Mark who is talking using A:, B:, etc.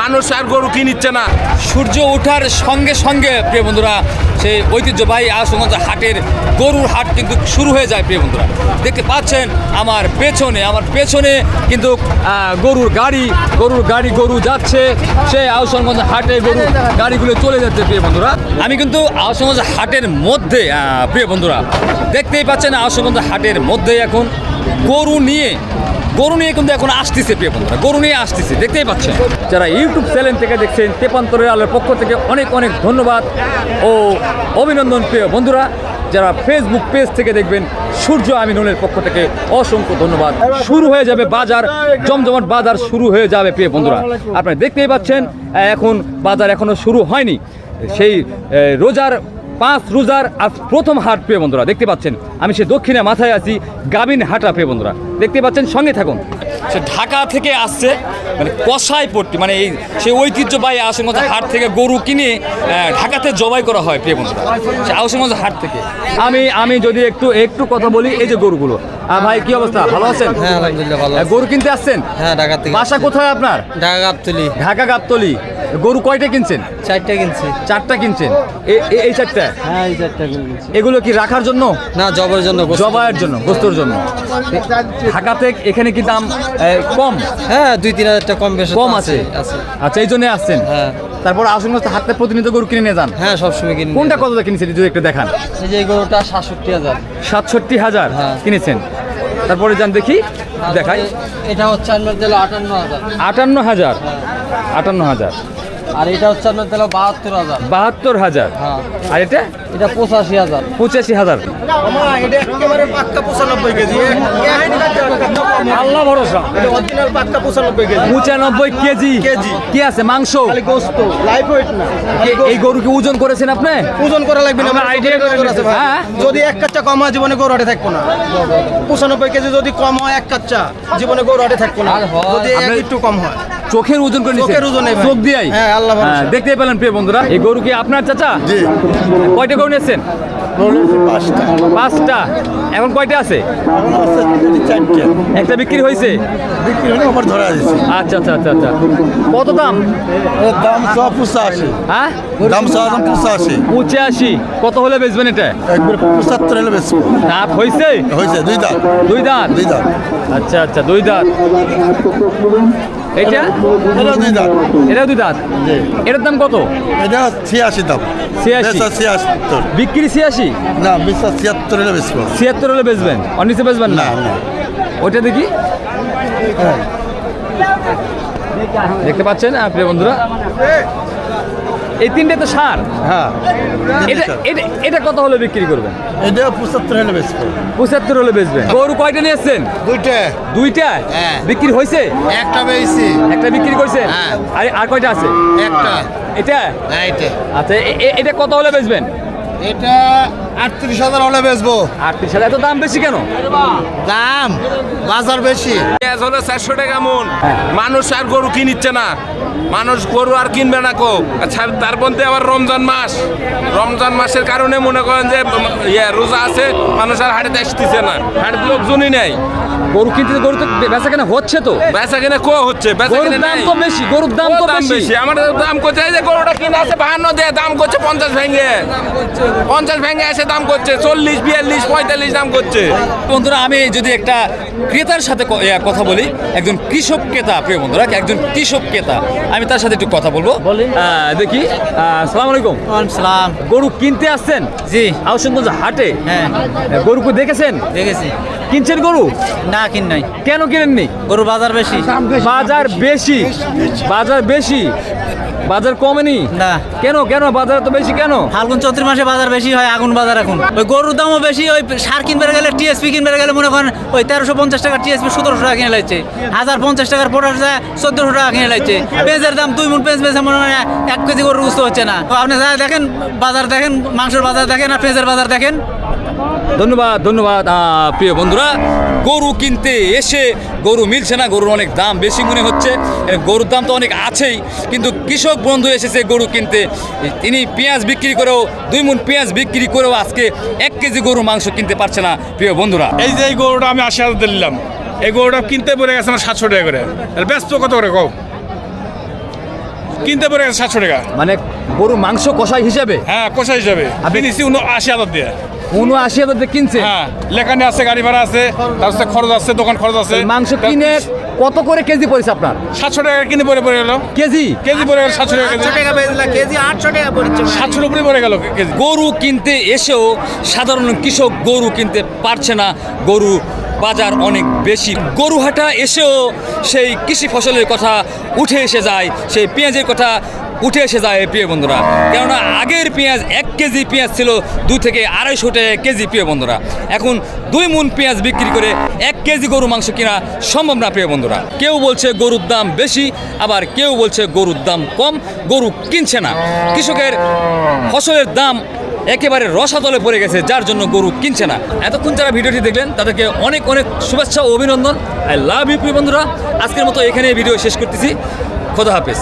A: মানুষ আর গরু কিনিচ্ছে না।
B: সূর্য ওঠার সঙ্গে সঙ্গে প্রিয় বন্ধুরা সেই ঐতিহ্যবাহী আশুগঞ্জ হাটের গরুর হাট কিন্তু শুরু হয়ে যায় প্রিয় বন্ধুরা। দেখতে পাচ্ছেন আমার পেছনে কিন্তু গরুর গাড়ি গরু যাচ্ছে সেই আশুগঞ্জ হাটে গাড়িগুলো চলে যাচ্ছে প্রিয় বন্ধুরা। আমি কিন্তু আশুগঞ্জ হাটের মধ্যে প্রিয় বন্ধুরা দেখতেই পাচ্ছেন আশুগঞ্জ হাটের মধ্যে এখন গরু নিয়ে কিন্তু এখন আসতেছে প্রিয় বন্ধুরা, গরু নিয়ে আসতেছে দেখতেই পাচ্ছেন। যারা ইউটিউব চ্যানেল থেকে দেখছেন তেপান্তরের আলোর পক্ষ থেকে অনেক ধন্যবাদ ও অভিনন্দন প্রিয় বন্ধুরা। যারা ফেসবুক পেজ থেকে দেখবেন সূর্য আমিনুলের পক্ষ থেকে অসংখ্য ধন্যবাদ। শুরু হয়ে যাবে বাজার, জমজমাট বাজার শুরু হয়ে যাবে প্রিয় বন্ধুরা। আপনারা দেখতেই পাচ্ছেন এখন বাজার এখনো শুরু হয়নি। সেই পাঁচ রোজার আজ প্রথম হাট প্রিয় বন্ধুরা দেখতে পাচ্ছেন। আমি সে দক্ষিণে মাথায় আছি গাবিন হাটা প্রিয় বন্ধুরা দেখতে পাচ্ছেন, সঙ্গে থাকুন। সে ঢাকা থেকে আসছে মানে কসাইপট্টি মানে এই সেই ঐতিহ্যবাহী আশুগঞ্জ হাট থেকে গরু কিনে ঢাকাতে জবাই করা হয় প্রিয় বন্ধুরা সে আশুগঞ্জ হাট থেকে। আমি যদি একটু কথা বলি, এই যে গরুগুলো ভাই কি অবস্থা, ভালো আছেন?
C: হ্যাঁ আলহামদুলিল্লাহ ভালো।
B: গরু কিনতে আসছেন?
C: হ্যাঁ ঢাকা থেকে।
B: বাসা কোথায় আপনার? ঢাকা গাবতলী। গরু কয়টা কিনছেন?
C: 4টা কিনছি।
B: 4টা কিনছেন? এই 4টা?
C: হ্যাঁ এই 4টা কিনছি।
B: এগুলো কি রাখার জন্য
C: না জবাইয়ের জন্য?
B: জবাইয়ের জন্য, গোস্তর জন্য। ঢাকাতে এখানে কি দাম কম?
C: হ্যাঁ 2-3 হাজার টাকা কম আছে।
B: আচ্ছা এই জন্য আসছেন।
C: হ্যাঁ
B: তারপর আশুগঞ্জ হাটে প্রতিনিয়ত গরু কিনে নিয়ে যান?
C: হ্যাঁ সবসময় কিনি।
B: কোনটা কতটা কিনেছেন যদি একটু দেখান?
C: এই যে গরুটা 67,000।
B: 67,000 কিনেছেন? তারপরে যান দেখি, দেখাই।
C: এটা হচ্ছে আপনার দিল 58,000।
B: 58,000? 58,000।
C: আর এটা হচ্ছে আপনার দিল 72,000।
B: 72,000?
C: হ্যাঁ।
B: আর এটা
C: 85,000।
B: 85,000।
D: এটা একেবারে পাক্কা 95 কেজি। আল্লাহ ভরসা, এটা অরিজিনাল পাক্কা 95 কেজি।
B: 95 কেজি কি আছে? মাংস,
D: খালি গোশত, লাইভ ওয়েট না।
B: এই গরুকে ওজন করেছেন আপনি?
D: ওজন করা লাগবে না,
B: আমার আইডিয়া
D: আছে ভাই।
B: হ্যাঁ?
D: যদি এক কাচ্চা কম হয় জীবনে গরু হাটে থাকবো না। 95 কেজি যদি কম হয় এক কাচ্চা জীবনে গরু হাটে থাকবো না। যদি একটু কম হয়
B: চোখের ওজন করে নিছেন?
D: চোখের ওজনে ভাই।
B: চোখ দিয়াই?
D: হ্যাঁ আল্লাহ ভরসা।
B: দেখতেই পেলেন প্রিয় বন্ধুরা, এই গরু কি আপনার চাচা?
E: জি।
B: কয়টা গরু নিয়েছেন? 5টা। এখন কয়টা আছে? একটা বিক্রি হয়েছে?
E: বিক্রি হলে আবার ধরা দিচ্ছে।
B: আচ্ছা। কত দাম?
E: দাম 85।
B: হ্যাঁ
E: দাম 85।
B: 85। কত হলে বেচবেন এটা?
E: একবার 75 হলে বেশি
B: দাঁত হয়েছে?
E: হয়েছে। 2 দাঁত।
B: 2 দাঁত?
E: 2 দাঁত।
B: আচ্ছা 2 দাঁত। এটা?
E: এটা 2 দাঁত।
B: এটা 2 দাঁত। এটার দাম কত?
E: এটা 86 দাম।
B: 86?
E: 76।
B: বিক্রি 86?
E: না 76 হলে বেশি।
B: 76 হলে বেচবেন? আর নিচে বেচবেন না?
E: না।
B: ওইটা দেখি। দেখতে পাচ্ছেন প্রিয় বন্ধুরা, এই 3টে তো সার।
E: হ্যাঁ
B: এটা কত হলে বিক্রি করবেন?
E: এটা 75 হলে বেশি।
B: 75 হলে বেচবেন। গরু কয়টা নিয়েছেন? 2টা।
E: হ্যাঁ।
B: বিক্রি হয়েছে?
E: একটা বেশি।
B: একটা বিক্রি করছেন?
E: হ্যাঁ।
B: আর কয়টা আছে?
E: একটা।
B: এটা?
E: হ্যাঁ এটা।
B: আচ্ছা এটা কত হলে বেচবেন?
E: এটা 38,000 হলে বেচবো।
B: 38,000? এত দাম বেশি কেন?
E: দাম বাজার বেশি।
A: পেঁয়াজ হলো 400 টাকা মন। মানুষ আর গরু কিনিচ্ছে না, মানুষ গরু আর কিনবে না কো। আচ্ছা তার মধ্যে আবার রমজান মাসের কারণে মনে করেন যে রোজা আছে, মানুষ আর হাটে আসতেছে না, হাটে লোকজনই নেই।
B: গরু কিনতে গরু তো বেচা কেনা হচ্ছে তো।
A: বেচা কিনা হচ্ছে, বেচা
B: গরুর
A: কিনা
B: দাম
A: নাই।
B: তো বেশি, গরুর দাম তো বেশি।
A: আমার দাম করছে এই যে গরুটা কিনা আছে 52 দিয়ে দাম করছে 50 ভেঙে 50 ভেঙে এসে দাম করছে 40, 42, 45 দাম করছে।
B: বন্ধুরা আমি যদি একটা ক্রেতার সাথে কথা বলি, একজন কৃষক ক্রেতা প্রিয় বন্ধুরা, একজন কৃষক ক্রেতা, আমি তার সাথে একটু কথা বলবো। দেখি। আসসালামু আলাইকুম।
C: সালাম।
B: গরু কিনতে আসছেন?
C: জি।
B: আশুগঞ্জ হাটে?
C: হ্যাঁ।
B: গরুকে দেখেছেন?
C: দেখেছি।
B: কিনছেন গরু?
C: না কিন নাই।
B: কেন কিনেননি?
C: গরু বাজার বেশি।
B: বাজার বেশি? বাজার কমেনি?
C: না।
B: কেন বাজার তো বেশি কেন?
C: ফাল্গুন চৈত্র মাসে বাজার বেশি হয়, আগুন বাজার এখন। ওই গরুর দামও বেশি, ওই সার কিনবে গেলে টিএসপি কিনবে গেলে মনে করেন ওই 1350 টাকার টিএসপি 1700 টাকা কিনে লাগছে। 1050 টাকার পটাশ 1400 টাকা কিনে লাগছে। পেঁয়াজের দাম 2 মণ পেঁয়াজ বেচে মনে হয় 1 কেজি গরু বুঝতে হচ্ছে না। তো আপনি যা দেখেন বাজার দেখেন, মাংসের বাজার দেখেন আর পেঁয়াজের বাজার দেখেন।
B: ধন্যবাদ প্রিয় বন্ধুরা। গরু কিনতে এসে গরু মিলছে না, গরুর অনেক দাম বেশি মনে হচ্ছে। গরুর দাম তো অনেক আছেই, কিন্তু কৃষক বন্ধু এসেছে গরু কিনতে। তিনি পেঁয়াজ বিক্রি করেও 2 মণ পেঁয়াজ বিক্রি করেও আজকে 1 কেজি গরুর মাংস কিনতে পারছে না প্রিয় বন্ধুরা।
A: এই যে এই গরুটা আমি 80,000 দিলাম, এই গরুটা কিনতে পড়ে গেছে আমার 700 টাকা করে। ব্যস্ত কত করে কও?
F: কিনতে পড়ে গেছে 700 টাকা।
B: মানে গরু মাংস কষাই হিসেবে
F: হ্যাঁ, কোষা হিসাবে কিনেছি 80,000 দিয়ে।
B: 79,000 দিয়ে কিনছে।
F: হ্যাঁ, লেখানে আছে, গাড়ি ভাড়া আছে, তারপরে খরচ আছে, দোকান খরচ আছে।
B: মাংস কিনে কত করে কেজি পড়েছে আপনার?
F: 700 টাকা কিনে পড়ে গেল
B: কেজি
F: কেজি পড়ে গেল 700 টাকা কেজি। 700 উপরে পড়ে গেল কেজি।
B: গরু কিনতে এসেও সাধারণ কৃষক গরু কিনতে পারছে না। গরু বাজার অনেক বেশি। গরু হাটা এসেও সেই কৃষি ফসলের কথা উঠে এসে যায়, সেই পেঁয়াজের কথা উঠে এসে যায় প্রিয় বন্ধুরা। কেননা আগের পেঁয়াজ 1 কেজি পেঁয়াজ ছিল 2 থেকে 250 টাকা কেজি প্রিয় বন্ধুরা। এখন 2 মণ পেঁয়াজ বিক্রি করে 1 কেজি গরু মাংস কেনা সম্ভব না প্রিয় বন্ধুরা। কেউ বলছে গরুর দাম বেশি, আবার কেউ বলছে গরুর দাম কম, গরু কিনছে না। কৃষকের ফসলের দাম একেবারে রসাতলে পড়ে গেছে, যার জন্য গরু কিনছে না। এতক্ষণ যারা ভিডিওটি দেখলেন তাদেরকে অনেক অনেক শুভেচ্ছা ও অভিনন্দন। আই লাভ ইউ প্রিয় বন্ধুরা। আজকের মতো এখানে ভিডিও শেষ করতেছি। খোদা হাফেজ।